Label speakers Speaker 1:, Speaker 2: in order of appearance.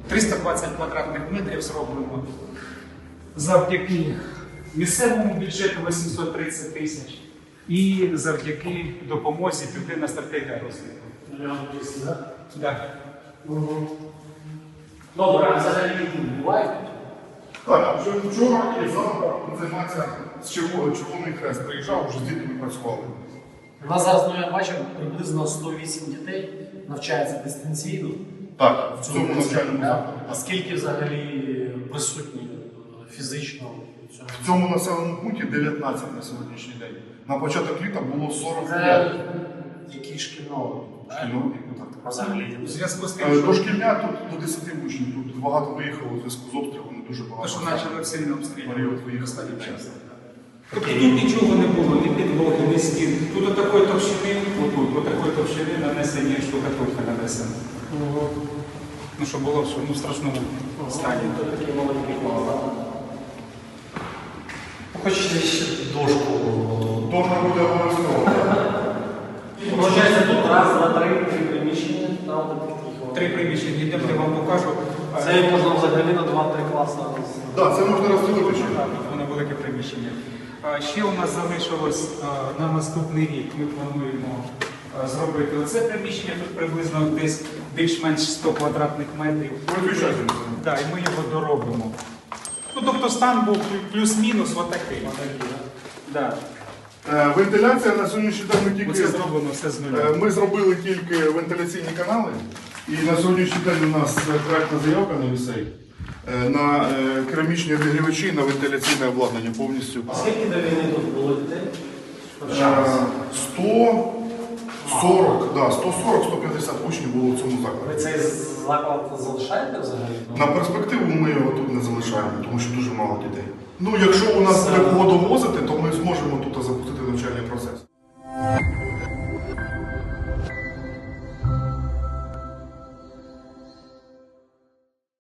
Speaker 1: 320 квадратних метрів зроблено завдяки місцевому бюджету 830 тисяч і завдяки допомозі Південна стратегія розвитку. Так.
Speaker 2: Добре, а взагалі бувають?
Speaker 3: Так, вже вчора і завтра займатися з Червоний Хрест. Приїжджав, вже з дітьми працювали.
Speaker 2: У нас зараз, я бачив, приблизно 108 дітей навчається дистанційно.
Speaker 3: Так, в цьому навчальному закладі.
Speaker 2: А скільки взагалі присутні фізично в цьому?
Speaker 3: В цьому населеному пункті 19 на сьогоднішній день. На початок літа було 45.
Speaker 2: Який шкільного?
Speaker 3: Шкільного віку, так.
Speaker 2: Взагалі.
Speaker 1: У зв'язку з тим, що
Speaker 3: Дошкільня тут до 10 учнів. Тут багато виїхало у зв'язку з обстрілами, дуже
Speaker 1: те,
Speaker 3: багато.
Speaker 1: що почали сильно обстрілювати.
Speaker 3: Період виїхали часто.
Speaker 1: Тобто тут нічого не було, ні підлоги, ні стін. Тут отакої товщини, отакої товщини нанесені штукатурка нанесена. Ну, що було в страшному стані.
Speaker 2: Такий маленький клас, так? Хочете ще дошку?
Speaker 3: Дошка буде обов'язково.
Speaker 2: Получається, тут раз, два, три приміщення.
Speaker 1: Три приміщення, йдемо, я вам покажу.
Speaker 2: Це можна взагалі на 2-3 класи.
Speaker 3: Так, це можна розділити ще.
Speaker 1: Так, воно велике приміщення. Ще у нас залишилось на наступний рік. Ми плануємо зробити оце приміщення, тут приблизно десь більш-менш 100 квадратних метрів. Так, і ми його доробимо. Ну, тобто стан був плюс-мінус отакий. Да.
Speaker 3: Вентиляція на сьогоднішній день ми тільки...
Speaker 1: Оце зроблено все з нуля.
Speaker 3: Ми зробили тільки вентиляційні канали, і на сьогоднішній день у нас проектна заявка на вісей на керамічні обігрівачі, на вентиляційне обладнання повністю.
Speaker 2: А скільки до війни тут було дітей?
Speaker 3: 140-150 учнів було в цьому закладі.
Speaker 2: Ви цей заклад залишаєте взагалі?
Speaker 3: На перспективу ми його тут не залишаємо, тому що дуже мало дітей. Ну, якщо у нас буде кого довозити, то ми зможемо тут запустити навчальний